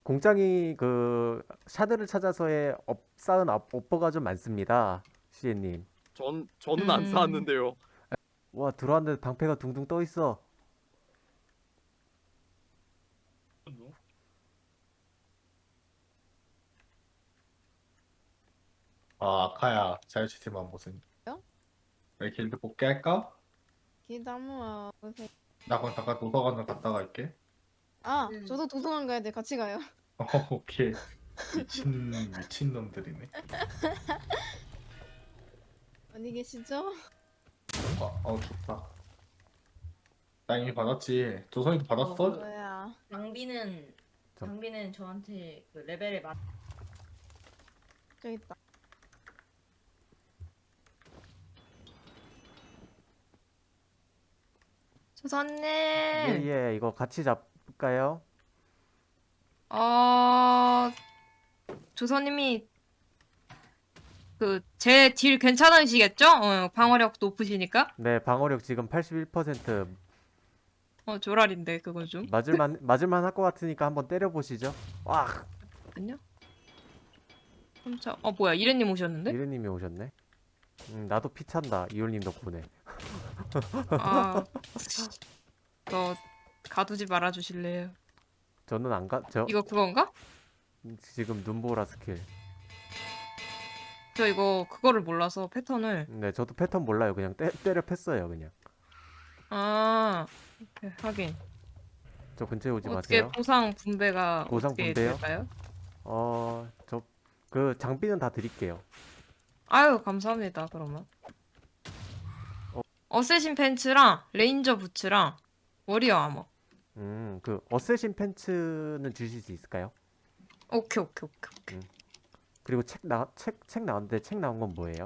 공장이 그 샤드를 찾아서의 쌓은 업보가 좀 많습니다. 시에님. 저는 안 음, 쌓았는데요. 와, 들어왔는데 방패가 둥둥 떠 있어. 아, 아카야, 자유시스템한 무슨 요? 내 길드 뽑게 할까? 기다모아 보세요. 나 그럼 잠깐 도서관을 갔다 갈게. 아, 저도 도서관 가야 돼. 같이 가요. 오케이. 미친 놈들이네. 어디 계시죠? 좋다. 나 이미 받았지. 조선이도 받았어? 뭐야? 장비는 저- 장비는 저한테 그 레벨에 맞. 저기 있다. 조선님. 예예, 이거 같이 잡을까요? 어 조선님이 그 제 딜 괜찮으시겠죠? 방어력 높으시니까. 네, 방어력 지금 81%. 조랄인데 그거 좀. 맞을만 할 것 같으니까 한번 때려보시죠. 와, 잠깐요. 깜짝. 뭐야 이래님 오셨는데? 이르님이 오셨네. 나도 피 찬다. 이올님 덕분에. 아, 너 가두지 말아 주실래요? 저는 안 가, 저 이거 그건가? 지금 눈보라 스킬. 저 이거 그거를 몰라서 패턴을. 네, 저도 패턴 몰라요. 그냥 때려 팼어요, 그냥. 아, 오케이, 하긴. 저 근처에 오지 어떻게 마세요. 보상 분배가 보상 어떻게 분배요? 될까요? 저 그 장비는 다 드릴게요. 아유, 감사합니다. 그러면. 어. 어쌔신 팬츠랑 레인저 부츠랑 워리어 아머. 그 어쌔신 팬츠는 주실 수 있을까요? 오케이, 오케이, 오케이, 오케이. 그리고 책 나왔는데 책 나온 건 뭐예요?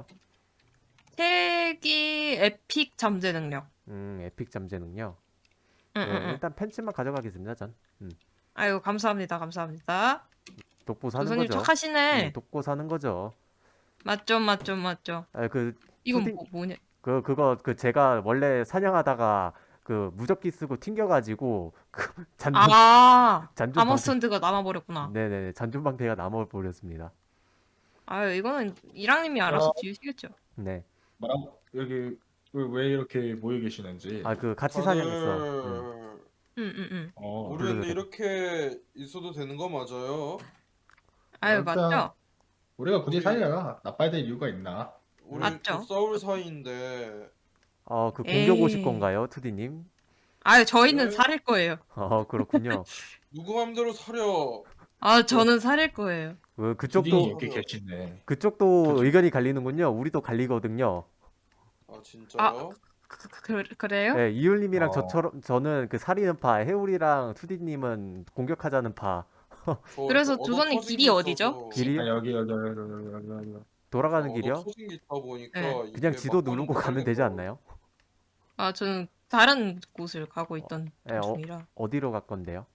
책이 에픽 잠재 능력. 에픽 잠재는요. 응, 네, 응, 응. 일단 팬츠만 가져가겠습니다, 전. 아유, 감사합니다. 감사합니다. 돕고 사는 조선님 거죠. 착하시네. 돕고 사는 거죠. 맞죠, 맞죠, 맞죠. 아, 그 이건 푸딩 뭐냐? 그거 제가 원래 사냥하다가 그 무적기 쓰고 튕겨가지고 그 잔존 방패. 아머스턴드가 남아버렸구나. 네네, 잔존 방패가 남아버렸습니다. 아유, 이거는 이랑님이 알아서 지으시겠죠. 네. 뭐라고? 여기 왜 이렇게 모여 계시는지. 아, 그 같이 사냥했어. 다들 응, 응, 응. 어, 우리 근데 그래도 이렇게 있어도 되는 거 맞아요? 아유, 일단 맞죠? 우리가 굳이 우리- 사이가 나빠야 될 이유가 있나? 우리 맞죠? 곧 싸울 사이인데 그 공격 오실 에이. 건가요, 투디님? 아유, 저희는 네. 살일 거예요. 그렇군요. 누구 맘대로 사려. 저는 살일 거예요. 푸딩이 그쪽도 이렇게 계시네. 그쪽도 의견이 갈리는군요. 우리도 갈리거든요. 아 진짜요? 그래요? 네, 이율님이랑 어. 저는 그 살리는 파, 해울이랑 투디님은 공격하자는 파. 그래서 저 조선님 터진 길이 게 어디죠? 있어서- 길이 아, 여기. 돌아가는 얻어 길이요? 터진 게 있다 보니까 네. 이게 그냥 지도 막판은 누르고 못 가면 되지 살겠더라고. 않나요? 저는 다른 곳을 가고 있던 네, 중이라. 어디로 갈 건데요?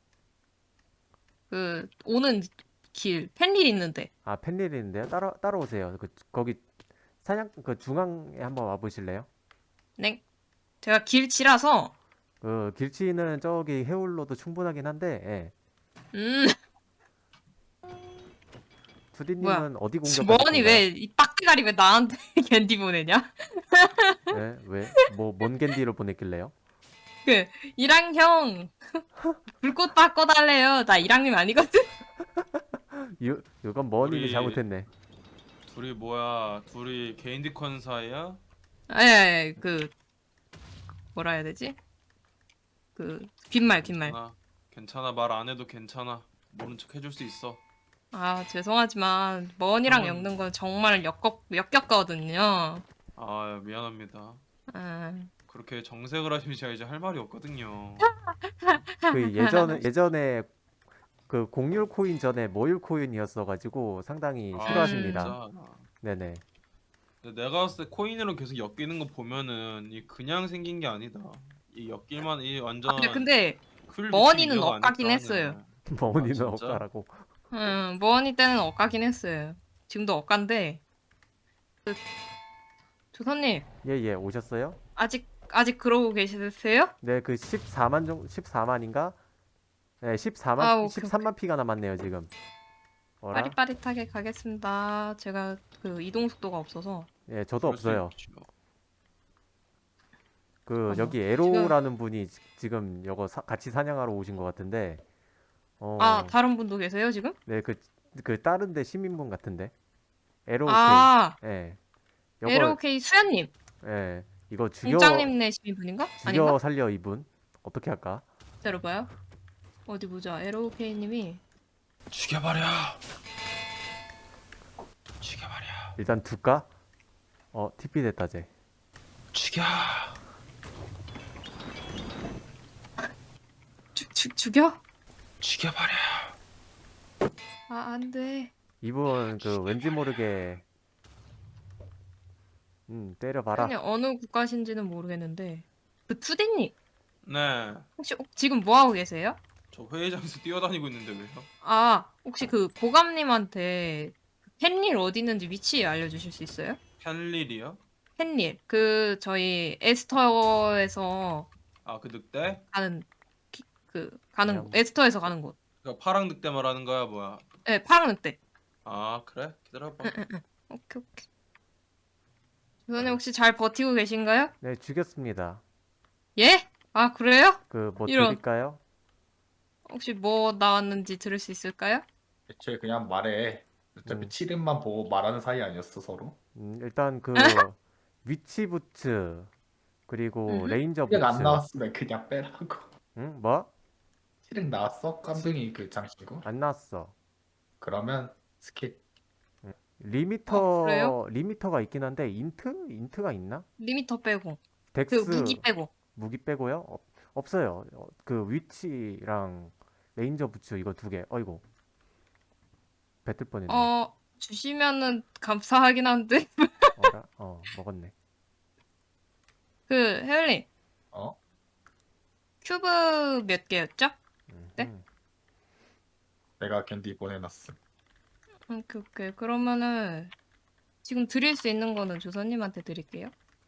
오는 길, 펜릴 있는데. 아, 펜릴 있는데요? 따라오세요. 거기 그 중앙에 한번 와보실래요? 네. 제가 길치라서, 그 길치는 저기 해울로도 충분하긴 한데, 예. 음, 뭐야. 투디님은 어디 공격하실 주머니 건가요? 왜, 이 빡대가리 왜 나한테 캔디 보내냐? 네, 왜? 뭔 겐디로 보냈길래요? 이랑 형, 불꽃 바꿔달래요. 나 이랑님 아니거든? 이건 머님이 우리- 잘못했네. 둘이 뭐야? 둘이 개인디컨 사이야? 예, 뭐라 해야 되지? 빈말. 괜찮아. 말 안 해도 괜찮아. 모른 척 해줄 수 있어. 죄송하지만, 머니랑 형은- 엮는 건 정말 역겹거든요. 미안합니다. 아, 그렇게 정색을 하시면 제가 이제 할 말이 없거든요. 그 예전에 그 공률 코인 전에 모율 코인이었어가지고 상당히 싫어하십니다. 진짜. 네네. 근데 내가 봤을 때 코인으로 계속 엮이는 거 보면은 이 그냥 생긴 게 아니다. 이 엮일만 이 완전 근데, 풀 머니는 미친 인형 엇가긴 아닐까 했어요. 하냐. 머니는 진짜? 억까라고. 머니 때는 엇가긴 했어요. 지금도 엇간데, 조선님, 예예, 오셨어요? 아직 그러고 계시세요? 네, 그 14만인가? 네, 14만 아, 오케이, 13만 피가 남았네요 지금. 어라? 빠릿빠릿하게 가겠습니다. 제가 그 이동 속도가 없어서. 예, 저도 그럴 수 없어요. 있죠. 그 잠깐만. 여기 에로라는 분이 지금 이거 같이 사냥하러 오신 것 같은데. 아, 다른 분도 계세요 지금? 네, 그 다른데 시민분 같은데. 에로 오케이. 아, 예. 요거 LOK 수연님, 예. 이거 공장님 내시는 분인가? 아닌가? 죽여 살려 이분. 어떻게 할까? 기다려봐요. 어디 보자. LOK님이 죽여버려. 죽여버려. 일단 둘까? TP 됐다 쟤. 죽여. 죽여? 죽여버려. 아, 안 돼. 이분 그 왠지 모르게 때려봐라. 아니, 어느 국가신지는 모르겠는데. 그 투디님, 네. 혹시 지금 뭐 하고 계세요? 저 회의장에서 뛰어다니고 있는데 왜요? 아, 혹시 그 고감님한테 팬일 어디 있는지 위치 알려주실 수 있어요? 펜릴이요? 팬일, 그 저희 에스터에서 아, 그 늑대? 가는 가는 그냥- 곳, 에스터에서 가는 곳. 그 파랑 늑대 말하는 거야 뭐야? 네, 파랑 늑대. 아, 그래? 기다려봐. 오케이, 오케이. 주선님 혹시 잘 버티고 계신가요? 네, 죽였습니다. 예? 아, 그래요? 그 뭐 이런. 드릴까요? 혹시 뭐 나왔는지 들을 수 있을까요? 애초에 그냥 말해. 어차피 7인만 보고 말하는 사이 아니었어 서로. 일단 그 위치 부츠 그리고 음흠. 레인저 7은 안 부츠. 나왔으면 그냥 빼라고. 응? 뭐? 7은 나왔어? 깜둥이 그 장치고. 안 나왔어. 그러면 스킵. 그래요? 리미터가 있긴 한데 인트가 있나? 리미터 빼고 그 덱스 무기 빼고. 무기 빼고요? 없어요. 그 위치랑 레인저 부츠 이거 두 개. 어이구. 뱉을 뻔했네. 주시면은 감사하긴 한데. 어라? 먹었네. 그 혜연님 어? 큐브 몇 개였죠? 네? 내가 캔디 보내놨음. 오케이, 오케이. 그러면은 지금 드릴 수 있는 거는 조선님한테 드릴게요.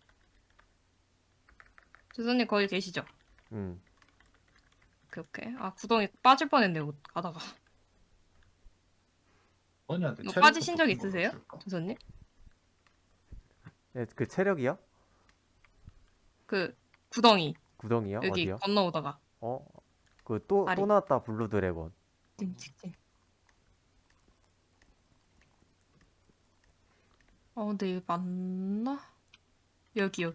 조선님 거기 계시죠? 음. 오케이, 오케이. 아, 구덩이 빠질 뻔했네요. 가다가. 언니한테 이거 체력 빠지신 적 같은 걸로 있으세요? 줄까? 조선님? 네, 그 체력이요? 그 구덩이 구덩이요? 여기 어디요? 건너오다가. 그 또 아리. 나왔다 블루 드래곤. 찡찡찡. 근데 이거 맞나? 여기.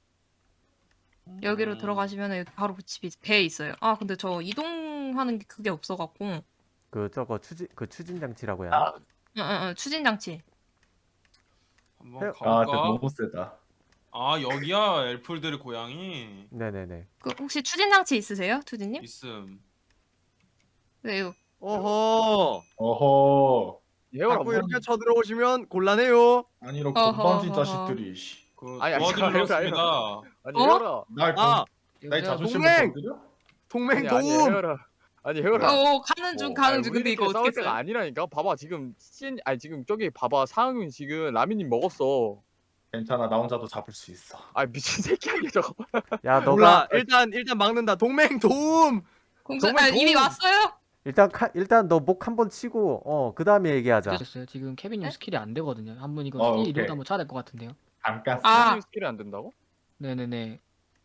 여기로 들어가시면 여기 바로 집이 배에 있어요. 아, 근데 저 이동하는 게 그게 없어갖고. 그 저거 추진 장치라고 해야 하나? 아, 추진 장치. 한번 아, 아, 근데 가볼까? 너무 세다. 아, 여기야 엘플들의 고향이. 네네네. 그 혹시 추진 장치 있으세요, 투디님? 있음. 네, 이거 어허. 어허. 자꾸 뭐 이렇게 쳐들어오시면 곤란해요. 아니 이런 어허, 건방진 어허. 자식들이. 씨. 그 아니, 도와드리러 아니, 왔습니다. 아니 어? 헤어라. 날 나의 야, 자존심을 동맹! 건드려? 동맹 네, 도움. 헤어라. 아니 헤어라. 가는 중, 아니, 가는 중. 우리 근데 이거 이렇게 어떻게 싸울 때가 써요? 아니라니까. 봐봐 지금 아니 지금 저기 봐봐 상윤 지금 라미님 먹었어. 괜찮아, 나 혼자도 잡을 수 있어. 아 미친 새끼 아니야 저거. 야, 몰라. 너가 일단 막는다. 동맹 도움. 정말 이미 도움! 왔어요? 일단 너 목 한번 치고 그다음에 얘기하자. 늦었어요. 지금 케빈님 네? 스킬이 안 되거든요. 한번 이거 오케이. 스킬 이러다 한번 쳐야 될 것 같은데요. 잠깐. 아. 상윤 스킬이 안 된다고? 네네네.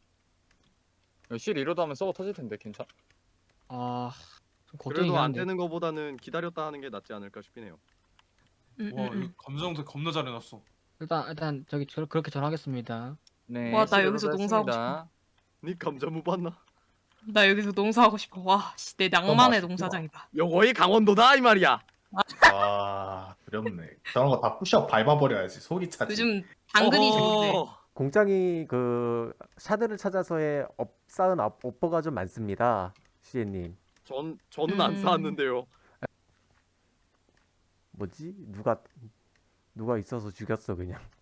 실 이러다 하면 서버 터질 텐데 괜찮? 아, 좀 걱정이긴 그래도 안 한데. 되는 거보다는 기다렸다 하는 게 낫지 않을까 싶네요. 와, 이거 감정도 겁나 잘해놨어. 일단 저기 그렇게 전하겠습니다. 네. 와, 나 실 여기서 이러다 농사하고 했습니다. 니 감자 못 봤나? 나 여기서 농사하고 싶어. 와, 씨, 내 낭만의 맛있구나. 농사장이다. 요거이 강원도다 이 말이야. 아, 두렵네. 저런 거 다 푸시업 밟아버려야지. 속이 차지. 요즘 당근이 좋은데. 공장이 그 샤드를 찾아서의 쌓은 오퍼가 좀 많습니다. 시에님. 저는 안 음. 쌓았는데요. 뭐지? 누가 있어서 죽였어 그냥.